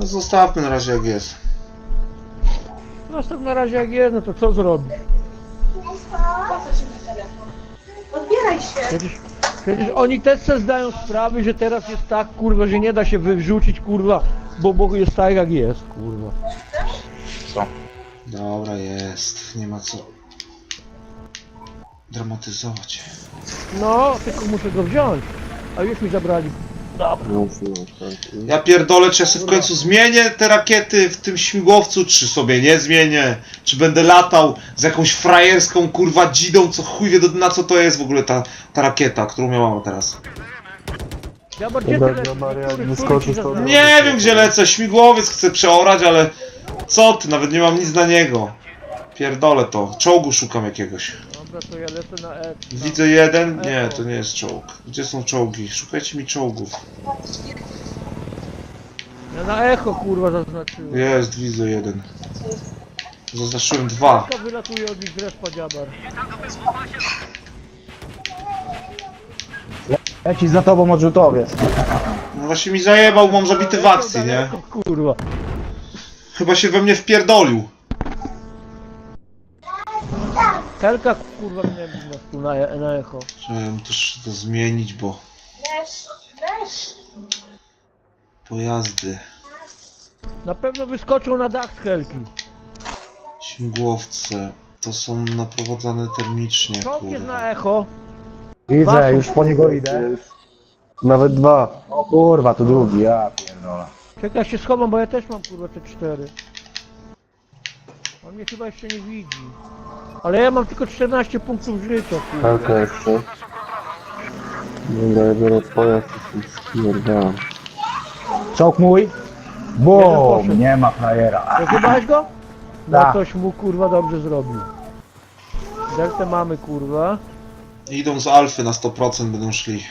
No zostawmy na razie jak jest. Zostaw na razie jak jest, no to co zrobisz? Odbieraj się. Przecież oni też sobie zdają sprawę, że teraz jest tak, kurwa, że nie da się wyrzucić, kurwa, bo jest tak jak jest, kurwa. Co? Dobra, jest. Nie ma co dramatyzować. No, tylko muszę go wziąć. A już mi zabrali. Dobra. Ja pierdolę, czy ja sobie w końcu zmienię te rakiety w tym śmigłowcu, czy sobie nie zmienię, czy będę latał z jakąś frajerską kurwa dzidą, co chuj wie na co to jest w ogóle ta rakieta, którą miałam teraz. Ja bardziej Dobra, tyle. Maria, Który wyskoczysz, ci to- zabrali? Nie wiem gdzie lecę, śmigłowiec chcę przeorać, ale co ty, nawet nie mam nic na niego. Pierdolę to, czołgu szukam jakiegoś. Dobra, to ja lecę na E. Widzę jeden, nie, to nie jest czołg. Gdzie są czołgi? Szukajcie mi czołgów. Ja na echo, kurwa, zaznaczyłem. Jest, widzę jeden. Zaznaczyłem dwa. Taka wylatuje od nich z respa dziabar. Leci za tobą odrzutowiec. No właśnie mi zajebał, mam zabity w akcji, nie? Daleko, kurwa. Chyba się we mnie wpierdolił. Helka, kurwa, mnie tu na echo. Trzeba też to zmienić, bo Weź. pojazdy, Na pewno wyskoczą na dach z Helki. śmigłowce, to są naprowadzane termicznie, Czołg jest kurwa. na echo. Widzę, już po niego idę. Nawet dwa. O kurwa, tu drugi, ja pierdolę. Czekaj, ja się schowam, bo ja też mam, kurwa, te 4. On mnie chyba jeszcze nie widzi. Ale ja mam tylko 14 punktów życia, kurwa. Helka jeszcze. Dobra, ja biorę pojazd i się spierdam. Czołg mój. Jeden Bum, poszedł. nie ma frajera. Rozjebałeś go? No Tak. ktoś mu, kurwa, dobrze zrobił. Deltę mamy, kurwa. Idą z Alfy na 100% będą szli.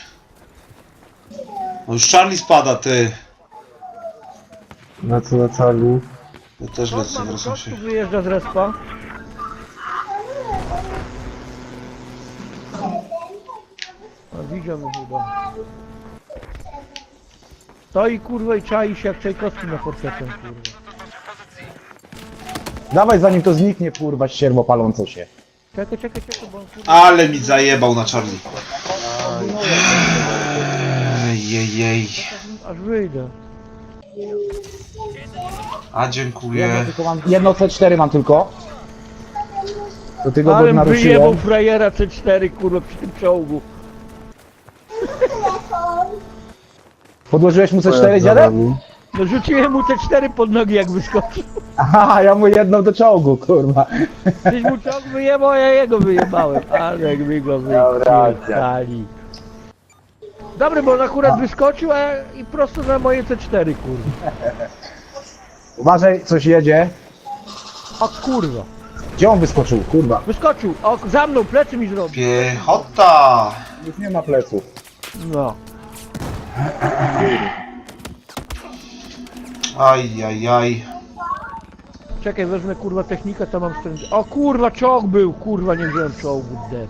No już Charlie spada, ty. Lecę na Charlie. Ja też Czołg lecę, mamy, wracam czołg się. tu wyjeżdża z respa. A widział mnie chyba. Stoi, kurwa, i czai się jak Czajkowski na fortepian, kurwa. Dawaj zanim to zniknie, kurwa, ścierwo palące się. Czekaj, bo on, kurwa... Ale mi zajebał na Charlie. Ejejej. Aż wyjdę. A dziękuję. Tylko mam, jedno C4 mam tylko. Do tego go Ale wyjebał naruszyłem. frajera C4, kurwa, przy tym czołgu. Podłożyłeś mu C4, Pojazd za dziadek? nami. No rzuciłem mu C4 pod nogi, jak wyskoczył. Aha, ja mu jedną do czołgu, kurwa. Tyś mu czołg wyjebał, a ja jego wyjebałem. Ale jak mi go Dobra, wyjebali. Dobry, bo on akurat wyskoczył, a ja i prosto na moje C4, kurwa. Uważaj, coś jedzie. O kurwa. Gdzie on wyskoczył, kurwa? Wyskoczył, o, za mną, plecy mi zrobił. Piechota! Już nie ma pleców. No. Ajajaj. Czekaj, wezmę kurwa technikę, to mam stręcz. O kurwa, czołg był, kurwa, nie wziąłem czołgu, dead.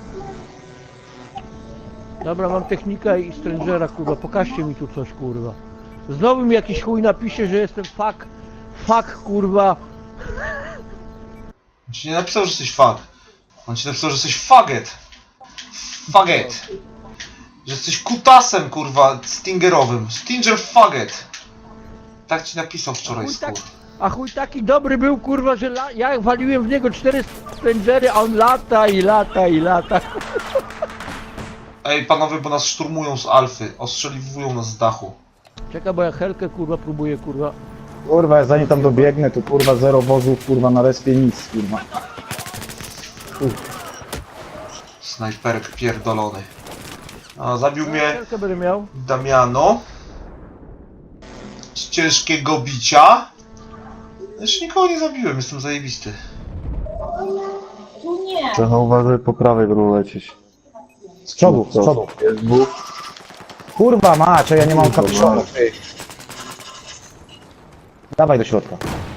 Dobra, mam technikę i strangera, kurwa, pokażcie mi tu coś, kurwa. Znowu mi jakiś chuj napisze, że jestem fuck, kurwa. On ci nie napisał, że jesteś fuck. On ci napisał, że jesteś faggot. Faggot. Że jesteś kutasem, kurwa, stingerowym. Stinger faggot. Tak ci napisał wczoraj, skur. A chuj taki dobry był, kurwa, że ja waliłem w niego 4 strangery, a on lata i lata i lata. Ej, panowie, bo nas szturmują z Alfy. Ostrzeliwują nas z dachu. Czekaj, bo ja Helkę, kurwa, próbuję, kurwa. Kurwa, zanim tam dobiegnę, to kurwa zero wozów, kurwa na respie nic, kurwa. Snajperek pierdolony. A, zabił mnie Helkę będę miał. Damiano. Z ciężkiego bicia. Jeszcze nikogo nie zabiłem, jestem zajebisty. Tu nie. Trochę uważaj, po prawej będą lecieć. Z przodu, z przodu. Jest dwóch. Kurwa macie, ja nie mam kapiszonu, ty. Dawaj do środka.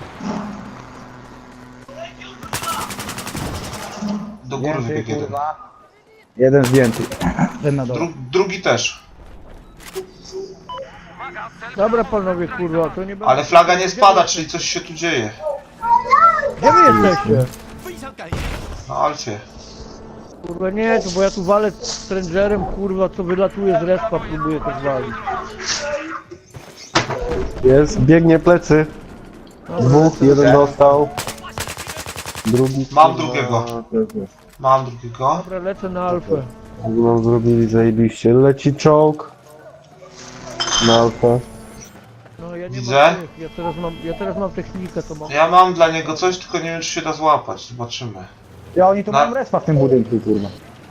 Do góry wybiegł jeden. Jeden zdjęty. Ten na dole. Drugi też. Dobra panowie, kurwa, to nie będzie... Ale flaga nie spada, czyli coś się tu dzieje. Gdzie wy jesteście? Na Alfie. Kurwa nie, to bo ja tu walę Strangerem, kurwa, co wylatuje z respa, próbuję to zwalić. Jest, biegnie plecy. Dwóch, jeden dostał. Drugi... Mam kurwa, drugiego. też jest. Mam drugiego. Dobra, lecę na alfę. Nam zrobili zajebiście. Leci czołg. Na alfę. No ja nie Widzę. mam tych, ja teraz mam technikę, to mam... Ja mam dla niego coś, tylko nie wiem, czy się da złapać. Zobaczymy. Ja oni tu Na- mają respa w tym budynku, kurwa.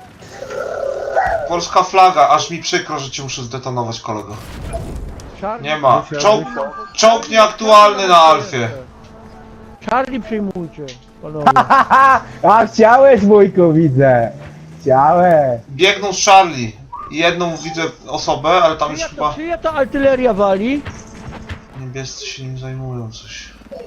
Polska flaga, aż mi przykro, że cię muszę zdetonować, kolego. Charlie, Nie ma. Czołg nieaktualny na Alfie. Charlie przyjmujcie, panowie. A chciałeś, wujku, widzę. Chciałeś. Biegną z Charlie. Jedną widzę osobę, ale tam już chyba Czyja to artyleria wali? niebiescy się nim zajmują coś.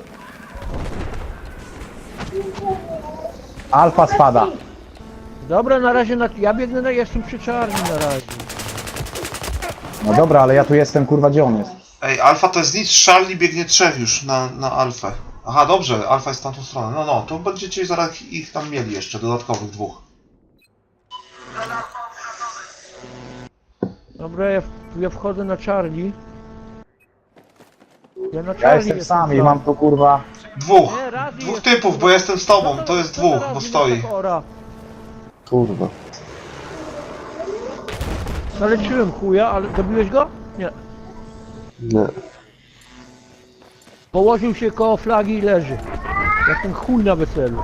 Alfa spada. Dobra, na razie ja biegnę jestem przy Charlie na razie. No dobra, ale ja tu jestem, kurwa, gdzie on jest? Ej, Alfa to jest nic, Charlie biegnie trzech już na Alfę. Aha, dobrze, Alfa jest w tamtą stronę. No, to będziecie zaraz ich tam mieli jeszcze, dodatkowych dwóch. Dobra, ja wchodzę na Charlie. Ja na Charlie Ja jestem sam i mam tu, kurwa... Dwóch! Nie, Razi Dwóch jest- typów, bo jestem z tobą, to jest dwóch, bo stoi. Kurwa. Zaleciłem chuja, ale dobiłeś go? Nie. Nie. Położył się koło flagi i leży. Jak ten chuj na weselu.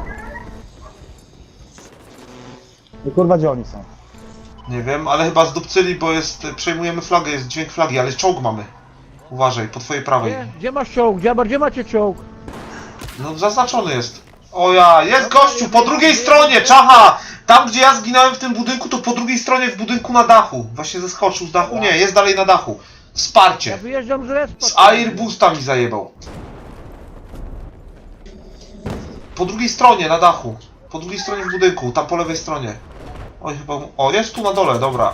I kurwa, gdzie oni są? Nie wiem, ale chyba zdupcyli, bo przejmujemy flagę, jest dźwięk flagi, ale czołg mamy. Uważaj, po twojej prawej. Gdzie masz czołg? Gdzie macie czołg? No zaznaczony jest. O ja, jest gościu, po drugiej stronie, czacha! Tam gdzie ja zginąłem w tym budynku, to po drugiej stronie w budynku na dachu. Właśnie zeskoczył z dachu, nie, jest dalej na dachu. Ja Wsparcie. wyjeżdżam z respa. Z Airbusta mi zajebał. Po drugiej stronie, na dachu. Po drugiej stronie w budynku, tam po lewej stronie. Oj, chyba... O, jest tu na dole, dobra.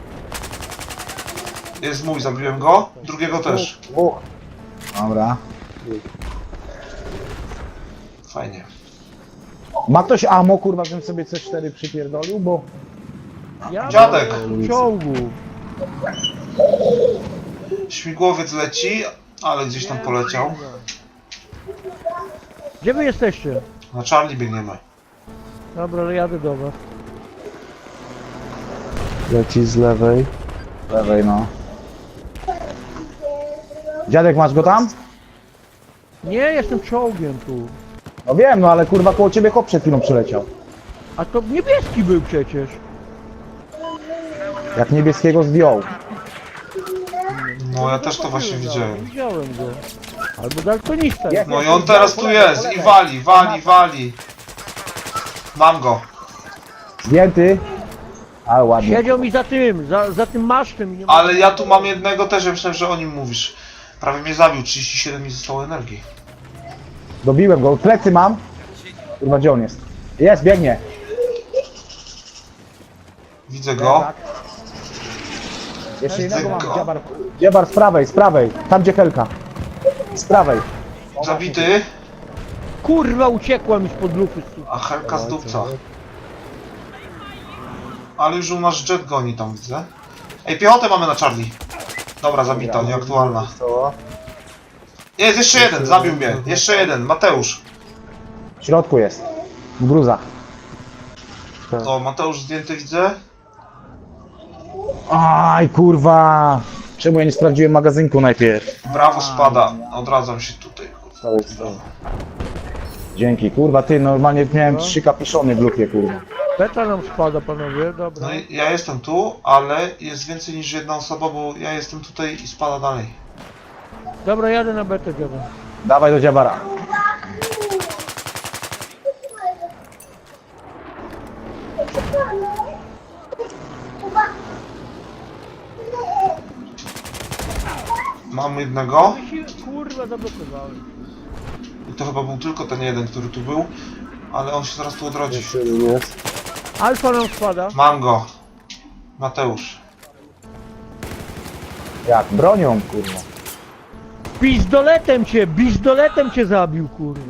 Jest mój, zabiłem go. Drugiego też. Dwóch. Dobra. Fajnie. Ma ktoś ammo, kurwa, żebym sobie C4 przypierdolił, bo... Ja Dziadek. mam w czołgu. Śmigłowiec leci, ale gdzieś tam poleciał. Gdzie wy jesteście? Na Charlie biegniemy. Dobra, ale jadę do was. Leci z lewej. Lewej, no. Dziadek, masz go tam? Nie, jestem czołgiem tu. No wiem, no ale kurwa koło ciebie chłop przed chwilą przyleciał. A to niebieski był przecież. Jak niebieskiego zdjął. No ja też to właśnie widziałem. Widziałem go. Albo daltonista. Jest. No i on teraz tu jest i wali. Mam go. Zdjęty. Ale ładnie. Siedział mi za tym masztem. i nie Ale ja tu mam jednego też, ja myślałem, że o nim mówisz. Prawie mnie zabił, 37 mi zostało energii. Dobiłem go. Plecy mam. Kurwa, gdzie on jest? Jest, biegnie. Widzę go. Tak. Jeszcze innego mam. Go. Dziebar z prawej. Tam gdzie Helka. Z prawej. Zabity, Kurwa, uciekła mi spod lufy. a Helka z dupca. Ale już u nas jet goni tam, widzę. Ej, piechotę mamy na Charlie. Dobra, zabita, nieaktualna. Jest, jeszcze jeden, zabił mnie. Jeszcze jeden, Mateusz. W środku jest. W gruzach. O, Mateusz zdjęty widzę. Aj, kurwa. Czemu ja nie sprawdziłem magazynku najpierw? Brawo spada, odradzam się tutaj. Dzięki, kurwa, ty, normalnie miałem 3 kapiszony w lufie, kurwa. Beta nam spada, panowie, dobra. No i ja jestem tu, ale jest więcej niż jedna osoba, bo ja jestem tutaj i spada dalej. Dobra, jadę na betę, dziadek. Dawaj do Dziabara. Mam jednego Kurwa, zablokowałem. i to chyba był tylko ten jeden, który tu był, ale on się zaraz tu odrodzi. Jeszcze jeden jest. Alfa nam spada. Mam go. Mateusz. Jak? Bronią, kurwa. Pizdoletem cię zabił, kurwa.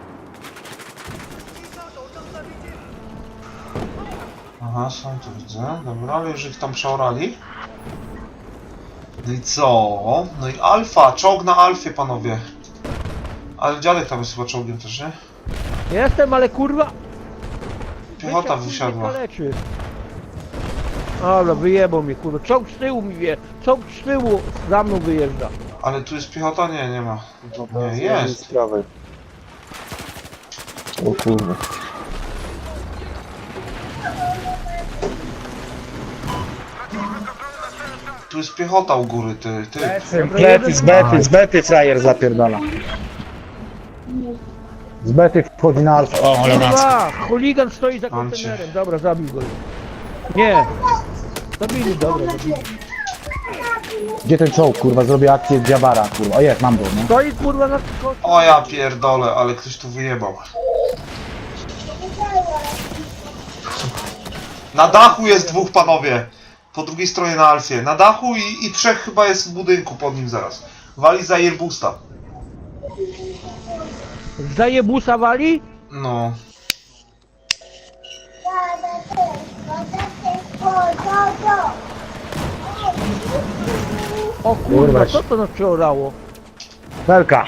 Aha, są tu widzę. Dobra, ale już ich tam przeorali. No i co? No i alfa, czołg na alfie, panowie. Ale dziadek tam jest chyba czołgiem też, nie? Jestem, ale kurwa... Piechota Wysiadł, wysiadła. mnie kaleczy. Ale wyjebał mnie, kurwa. Czołg z tyłu mi wie. Czołg z tyłu za mną wyjeżdża. Ale tu jest piechota? Nie, nie ma. Nie, Z jest. prawej. O kurwa. Tu jest piechota u góry, ty. Z bety frajer zapierdala. Z bety wchodzi na alfę. O, ale Kurwa, chuligan stoi za Mam cię. kontenerem. Dobra, zabił go. Nie. Zabili, dobra, zabili. Gdzie ten czołg, kurwa? Zrobię akcję Diabara, kurwa. O jest, mam go, no. Stoi kurwa na skoku. O ja pierdolę, ale ktoś tu wyjebał. Na dachu jest dwóch, panowie. Po drugiej stronie na alfie. Na dachu i trzech chyba jest w budynku pod nim zaraz. Wali za Airbusta. Zajebusa wali? No. O kurwa, co to nas przeorało? Felka.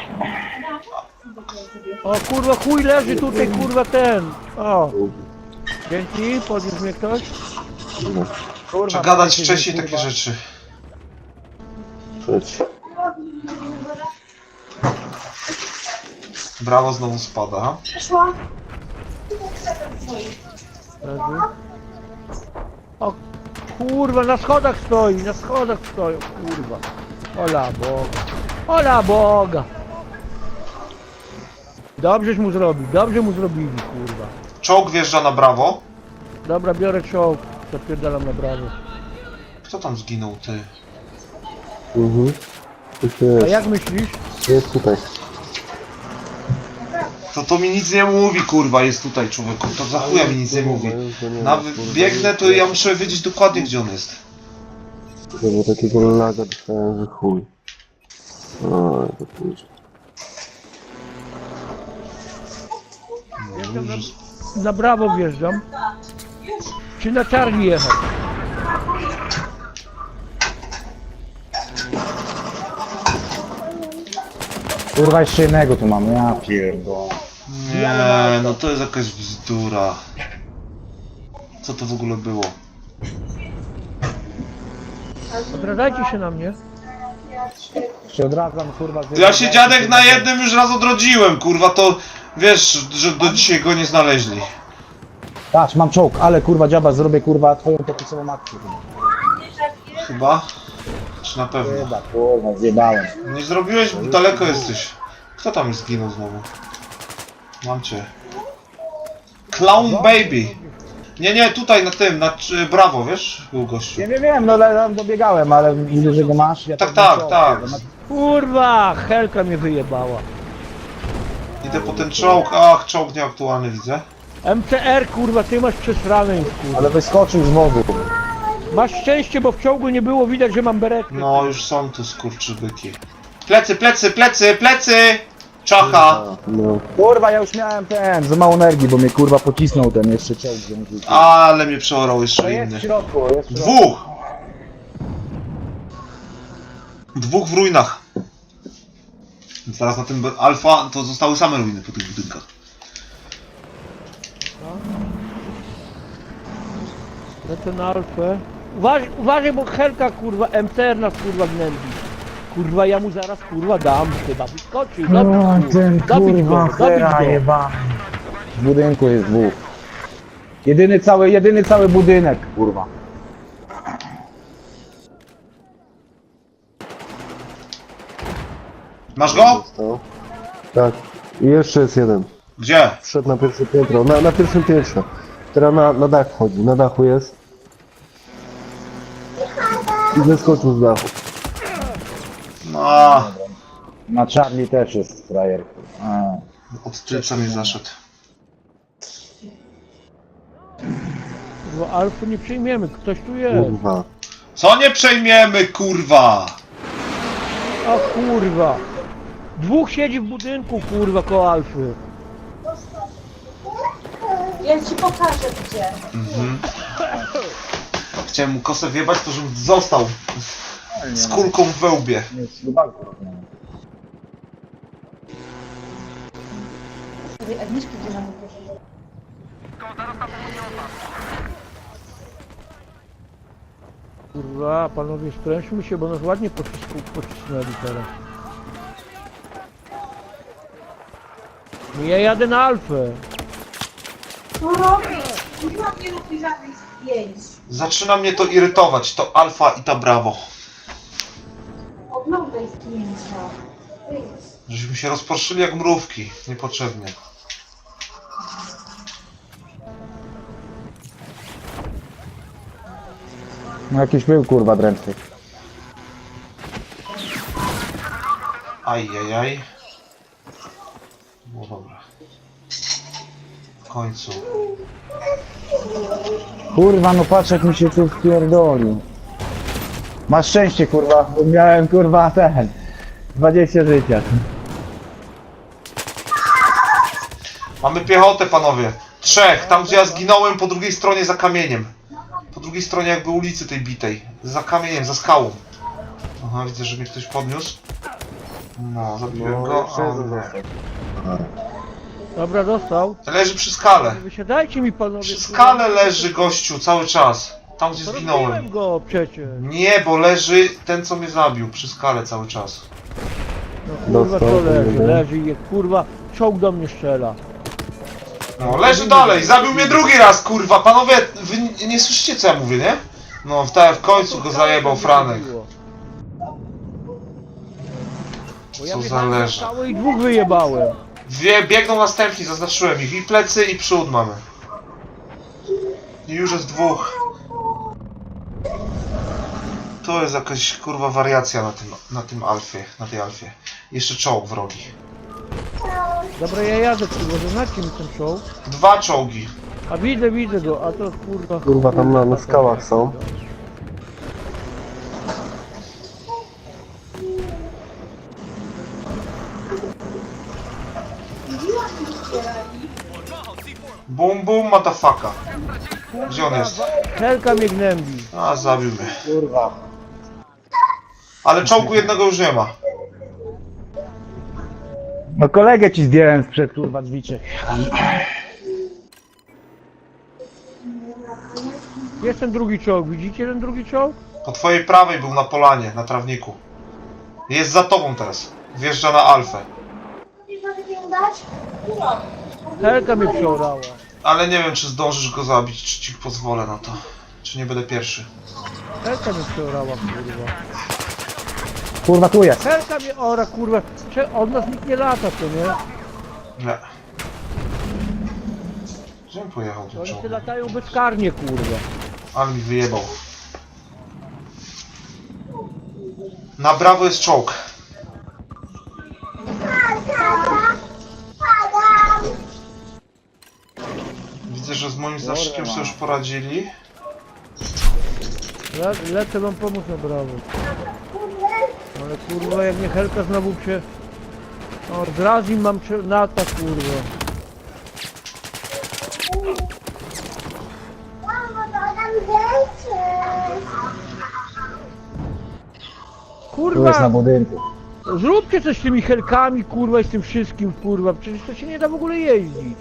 O kurwa, chuj leży tutaj, kurwa ten. O. Dzięki, podniósł mnie ktoś. Kurwa, Trzeba gadać dajcie, wcześniej kurwa. takie rzeczy. Trzeci. Brawo znowu spada. Przeszła. Leży. O kurwa, na schodach stoi, kurwa. Ola Boga. Ola Boga. Dobrześ mu zrobił, dobrze mu zrobili, kurwa. Czołg wjeżdża na brawo. Dobra, biorę czołg, zapierdalam na brawo. Kto tam zginął, ty? Mhm. Tu się A jest. jak myślisz? Jest tutaj. To mi nic nie mówi, kurwa, jest tutaj, człowieku. To za chuja mi nic nie mówi. Nawet biegnę, to ja muszę wiedzieć dokładnie, gdzie on jest. Bo takiego laga dostałem, że chuj. O, to pójdzie. Wjeżdżam na brawo wjeżdżam. Czy na Charlie jechać? Kurwa, jeszcze jednego tu mam, ja pierdolę. Nie, no to jest jakaś bzdura. Co to w ogóle było? Odradzajcie się na mnie. Się odradzam, kurwa. Ja się dziadek na jednym już raz odrodziłem, kurwa, to wiesz, że do dzisiaj go nie znaleźli. Patrz, mam czołg, ale kurwa dziaba, zrobię kurwa twoją popisową akcję. Chyba? Czy na pewno? Chyba, kurwa, zjebałem. Nie zrobiłeś, bo daleko jesteś. Kto tam już zginął znowu? Mam cię. Clown Baby. Nie, tutaj na tym, brawo, wiesz? Był gościu. Wiem, no tam dobiegałem, ale widzę, że go masz. Ja Tak, też mam tak, czołg, tak. kurwa. Kurwa, Helka mnie wyjebała. Idę po ten czołg. Ach, czołg nieaktualny widzę. MCR, kurwa, ty masz przesrane już, kurwa. Ale wyskoczył z wozu. Masz szczęście, bo w czołgu nie było widać, że mam beretkę. No, już są tu skurczybyki. Plecy! Czacha! No. Kurwa, ja już miałem za mało energii, bo mnie kurwa pocisnął ten jeszcze czołg. że mi rzucił. Ale mnie przeorał To jeszcze jest w inny. środku, jest w środku. Dwóch! Dwóch w ruinach. Więc teraz na tym alfa to zostały same ruiny po tych budynkach. Lecę na alfę. Uważaj, bo Helka, kurwa, MCR nas, kurwa, gnębi. Kurwa, ja mu zaraz, kurwa, dam. Chyba wyskoczył. No, Zabić go, zabić go. jebany. W budynku jest dwóch. Jedyny cały budynek, kurwa. Masz go? Został. Tak. I jeszcze jest jeden. Gdzie? Wszedł na pierwsze piętro. Na pierwszym piętrze. Teraz na dach wchodzi. Na dachu jest. I zeskoczył z dachu. No, Na Charlie też jest frajer. od tylca mi zaszedł. Kurwa, alfy nie przyjmiemy, ktoś tu jest. Kurwa. Co nie przejmiemy, kurwa? O kurwa. Dwóch siedzi w budynku, kurwa, koło Alfy. Ja ci pokażę gdzie. Chciałem mu kosę wjebać, to żebym został z kulką w wełbie. Tej Agnieszki gdzie nam pokażę. Kurwa, panowie, sprężmy się, bo nas ładnie pocisnęli teraz. No ja jadę na Alfę. Co robisz? Nie robi żadnych zdjęć. Zaczyna mnie to irytować, to alfa i ta brawo. Oglądaj zdjęcia. Żeśmy się rozproszyli jak mrówki, niepotrzebnie. No jakiś był kurwa drętwy. Ajajaj. No dobra. W końcu. Kurwa, no patrz jak mi się tu wpierdolił. Masz szczęście kurwa, bo miałem kurwa 20 życia. Mamy piechotę, panowie. 3, tam gdzie ja zginąłem, po drugiej stronie za kamieniem. Po drugiej stronie jakby ulicy tej bitej. Za kamieniem, za skałą. Aha, widzę, że mnie ktoś podniósł. No, zabiłem go, a on nie. Dobra, dostał. Leży przy skale. Wysiadajcie mi, panowie. Przy skale leży gościu cały czas. Tam gdzie Rozbiłem zginąłem. go przecież. Nie, bo leży ten co mnie zabił. Przy skale cały czas. No kurwa, Dostał, to leży, jeden. leży i kurwa, czołg do mnie strzela. No, leży dalej. Zabił mnie drugi raz, kurwa. Panowie, wy nie słyszycie co ja mówię, nie? No, w końcu go zajebał Franek. Bo ja Co za wjechałem na leże. skałę i dwóch wyjebałem. Biegną następni, zaznaczyłem ich. I plecy, i przód mamy. I już jest dwóch. To jest jakaś kurwa wariacja na tym alfie, na tej alfie. Jeszcze czołg wrogi. Dobra, ja jadę, kurwa, zaznaczcie mi ten czołg. 2 czołgi. A widzę go, a to kurwa... Kurwa, tam na skałach są. Bum bum, motherfucker. Gdzie on jest? Helka mnie gnębi. A, zabił mnie. Kurwa. Ale czołgu jednego już nie ma. No kolegę ci zdjąłem sprzed kurwa drzwiczek. Jest ten drugi czołg, widzicie ten drugi czołg? Po twojej prawej był na polanie, na trawniku. Jest za tobą teraz. Wjeżdża na alfę. Nie mogę mi dać? Helka mnie przeorała. Ale nie wiem, czy zdążysz go zabić, czy ci pozwolę na to. Czy nie będę pierwszy. Helka mnie przeorała, kurwa. Kurwa tu jest. Helka mnie ora, kurwa. Od nas nikt nie lata, to nie? Nie. Gdzie on pojechał ten Oni czołg? się latają bezkarnie, kurwa. Ale mi wyjebał. Na brawo jest czołg. Widzę, że z moim zaszykiem sobie już poradzili. Lecę wam pomóc na brawo. Ale kurwa, jak mnie Helka znowu się... O, z Razim mam lata, kurwa. Tu jest Kurwa, na budynku. zróbcie coś z tymi Helkami, kurwa, i z tym wszystkim, kurwa. Przecież to się nie da w ogóle jeździć.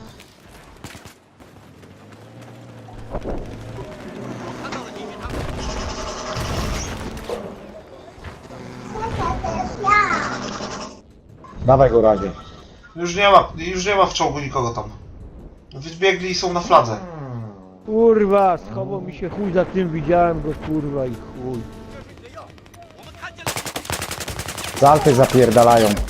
Dawaj go razie. Już nie ma w czołgu nikogo tam. Wybiegli i są na fladze. Kurwa, schował mi się chuj za tym, widziałem go, kurwa, i chuj. Z Alfy zapierdalają.